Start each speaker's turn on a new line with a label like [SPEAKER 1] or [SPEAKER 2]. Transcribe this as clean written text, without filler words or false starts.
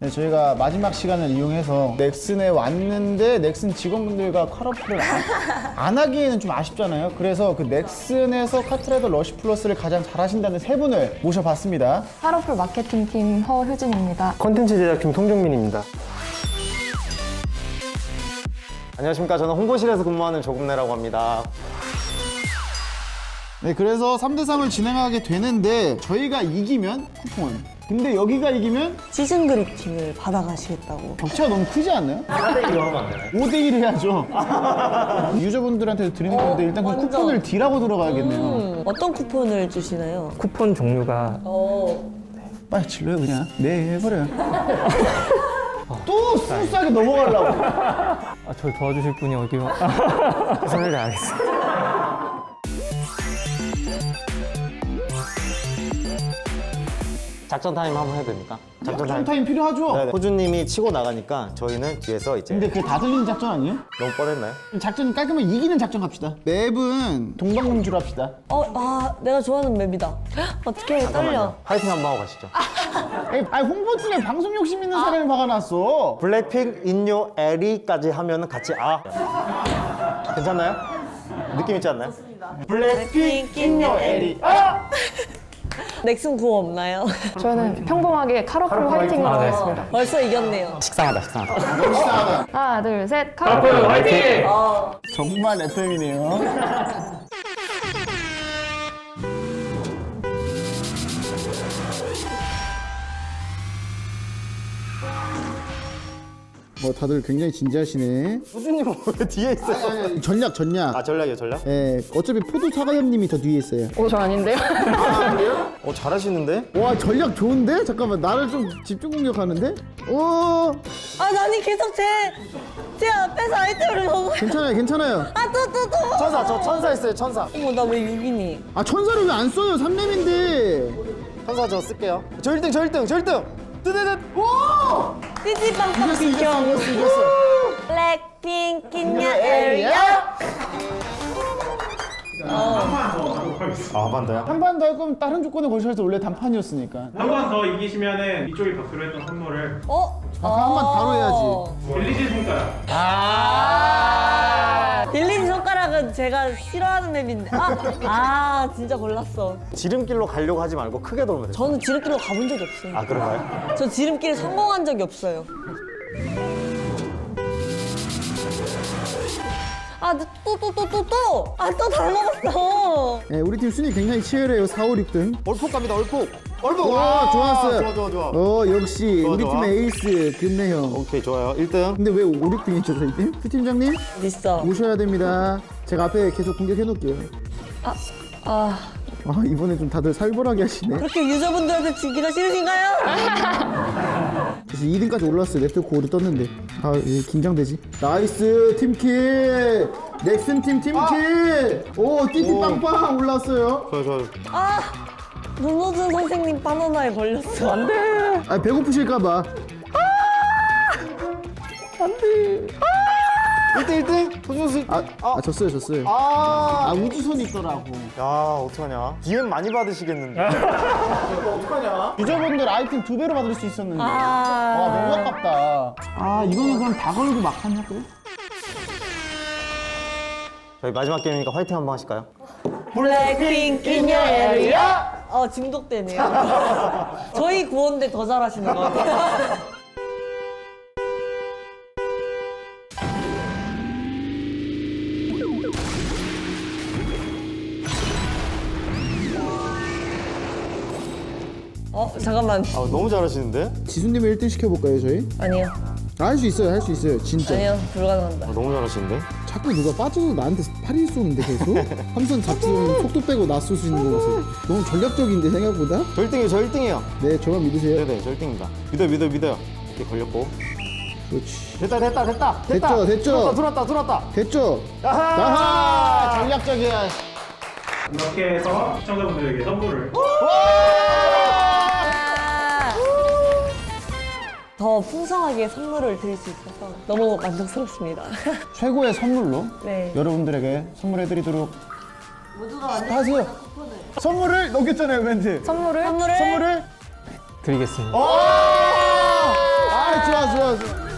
[SPEAKER 1] 네, 저희가 마지막 시간을 이용해서 넥슨에 왔는데 넥슨 직원분들과 컬러풀을 안 하기에는 좀 아쉽잖아요. 그래서 그 넥슨에서 카트라이더 러쉬 플러스를 가장 잘하신다는 세 분을 모셔봤습니다.
[SPEAKER 2] 컬러풀 마케팅팀 허효진입니다.
[SPEAKER 3] 콘텐츠 제작팀 송종민입니다. 안녕하십니까. 저는 홍보실에서 근무하는 조금내라고 합니다.
[SPEAKER 1] 네, 그래서 3대3을 진행하게 되는데 저희가 이기면 쿠폰, 근데 여기가 이기면
[SPEAKER 4] 시즌 그리팅을 받아가시겠다고.
[SPEAKER 1] 격차가 너무 크지 않나요?
[SPEAKER 3] 4대1로 하면 안 되나요?
[SPEAKER 1] 5대1 해야죠. 유저분들한테 드리는 건데 일단 그
[SPEAKER 4] 완전.
[SPEAKER 1] 쿠폰을 D라고 들어가야겠네요.
[SPEAKER 4] 어떤 쿠폰을 주시나요?
[SPEAKER 3] 쿠폰 종류가
[SPEAKER 1] 빨리 질러요 그냥. 네, 해버려요. 또 스무스하게 넘어가려고.
[SPEAKER 3] 저를 도와주실 분이 어디요? 최선을 다하겠습니다. 작전 타임 한번 해도 됩니까?
[SPEAKER 1] 작전 타임 필요하죠?
[SPEAKER 3] 네네. 호주님이 치고 나가니까 저희는 뒤에서 이제
[SPEAKER 1] 근데 그게 다 들리는 작전 아니에요?
[SPEAKER 3] 너무 뻔했나요?
[SPEAKER 1] 작전 깔끔하게 이기는 작전 갑시다. 맵은 동방공주로 합시다.
[SPEAKER 4] 내가 좋아하는 맵이다. 어떻게 떨려.
[SPEAKER 3] 파이팅 한번 하고 가시죠.
[SPEAKER 1] 아니 홍보팀에 방송 욕심 있는 사람이 박아놨어.
[SPEAKER 3] 블랙핑 인요 에리까지 하면은 같이 괜찮나요? 느낌 있지 않나요?
[SPEAKER 4] 블랙핑 인요 에리. 넥슨 구호 없나요?
[SPEAKER 2] 저는 평범하게 컬러풀 화이팅으로 하겠습니다.
[SPEAKER 4] 벌써 이겼네요.
[SPEAKER 3] 식상하다.
[SPEAKER 2] 하나, 둘, 셋, 컬러풀 화이팅!
[SPEAKER 1] 정말 FM이네요. 다들 굉장히 진지하시네.
[SPEAKER 3] 호주님은 왜 뒤에 있어요?
[SPEAKER 1] 전략.
[SPEAKER 3] 전략이요, 전략?
[SPEAKER 1] 예, 어차피 포도 사과염님이 더 뒤에 있어요.
[SPEAKER 2] 저 아닌데요?
[SPEAKER 3] 잘하시는데?
[SPEAKER 1] 와, 전략 좋은데? 잠깐만, 나를 좀 집중 공격하는데? 오,
[SPEAKER 4] 나니 계속 제 앞에서 아이템을 먹어.
[SPEAKER 1] 괜찮아요.
[SPEAKER 4] 또.
[SPEAKER 3] 천사, 저 천사 있어요, 천사.
[SPEAKER 4] 어머, 나 왜 6이니?
[SPEAKER 1] 아, 천사를 왜 안 써요? 3렘인데.
[SPEAKER 3] 천사 저 쓸게요. 저 1등! 뜨뜨뜨! 오!
[SPEAKER 4] 띠띠빵빵
[SPEAKER 1] 이겼어.
[SPEAKER 4] 블랙핑 인요 에리야.
[SPEAKER 3] 한 번 더요?
[SPEAKER 1] 한 번 더 할 거면 다른 조건에 걸쳐서 원래 단판이었으니까.
[SPEAKER 5] 한 번 더 이기시면은 이쪽이 받기로 했던 선물을
[SPEAKER 1] 한 번 바로 해야지.
[SPEAKER 5] 빌리지 손가락.
[SPEAKER 4] 빌린 손가락은 제가 싫어하는 맵인데. 진짜 골랐어.
[SPEAKER 3] 지름길로 가려고 하지 말고 크게 돌면 돼요.
[SPEAKER 4] 저는 지름길로 가본 적이 없어요.
[SPEAKER 3] 그런가요?
[SPEAKER 4] 저 지름길에 성공한 적이 없어요. 또 다 먹었어.
[SPEAKER 1] 네, 우리 팀 순위 굉장히 치열해요. 4, 5, 6등.
[SPEAKER 3] 얼폭 갑니다, 얼폭!
[SPEAKER 1] 와, 좋았어요.
[SPEAKER 3] 좋아.
[SPEAKER 1] 역시
[SPEAKER 3] 좋아,
[SPEAKER 1] 우리
[SPEAKER 3] 좋아.
[SPEAKER 1] 팀의 에이스 금내형.
[SPEAKER 3] 오케이, 좋아요. 1등.
[SPEAKER 1] 근데 왜 5, 6등이죠, 저희 팀? 팀장님
[SPEAKER 4] 있어.
[SPEAKER 1] 오셔야 됩니다. 제가 앞에 계속 공격해 놓을게요. 이번에 좀 다들 살벌하게 하시네.
[SPEAKER 4] 그렇게 유저분들한테 지기가 싫으신가요?
[SPEAKER 1] 그래서 2등까지 올라왔어요. 네트워크 오류 떴는데. 긴장되지. 나이스 팀킬. 넥슨 팀 팀킬. 오, 띠띠빵빵 올라왔어요.
[SPEAKER 3] 좋아.
[SPEAKER 4] 문호준 선생님 바나나에 걸렸어. 안 돼.
[SPEAKER 1] 배고프실까봐.
[SPEAKER 3] 1등? 호준수.
[SPEAKER 1] 졌어요. 우주선이 있더라고.
[SPEAKER 3] 야, 어떡하냐. DM 많이 받으시겠는데.
[SPEAKER 1] 유저분들 아이템 2배로 받을 수 있었는데. 너무
[SPEAKER 4] 아.
[SPEAKER 1] 아깝다. 이거는 그럼 다 걸고 막판 할까요?
[SPEAKER 3] 저희 마지막 게임이니까 화이팅 한번 하실까요?
[SPEAKER 4] 블랙핑 인요 에리야. 중독되네요. 저희 구원대 더 잘하시는 것 같아요. 잠깐만.
[SPEAKER 3] 너무 잘하시는데?
[SPEAKER 1] 지수님을 1등 시켜볼까요, 저희?
[SPEAKER 4] 아니요.
[SPEAKER 1] 할 수 있어요, 진짜.
[SPEAKER 4] 아니요. 불가능합니다.
[SPEAKER 3] 너무 잘하시는데?
[SPEAKER 1] 자꾸 누가 빠져서 나한테 팔이 쏘는데 계속? 함선 잡지면 속도 빼고 나 쏘시는 거 보세요. 너무 전략적인데 생각보다?
[SPEAKER 3] 저 1등이에요.
[SPEAKER 1] 네, 저만 믿으세요.
[SPEAKER 3] 네네, 저 1등입니다. 믿어요. 이렇게 걸렸고.
[SPEAKER 1] 그렇지.
[SPEAKER 3] 됐다.
[SPEAKER 1] 됐죠?
[SPEAKER 3] 들어왔다.
[SPEAKER 1] 됐죠?
[SPEAKER 3] 아하!
[SPEAKER 1] 전략적이야.
[SPEAKER 5] 이렇게 해서 시청자분들에게 선물을
[SPEAKER 4] 더 풍성하게 선물을 드릴 수 있어서 너무 만족스럽습니다.
[SPEAKER 1] 최고의 선물로
[SPEAKER 4] 네.
[SPEAKER 1] 여러분들에게 선물해드리도록
[SPEAKER 4] 모두가
[SPEAKER 1] 하세요. 선물을 넘겼잖아요, 멘트.
[SPEAKER 2] 선물을
[SPEAKER 1] 선물을
[SPEAKER 3] 드리겠습니다.
[SPEAKER 1] 아, 좋아 좋아 좋아.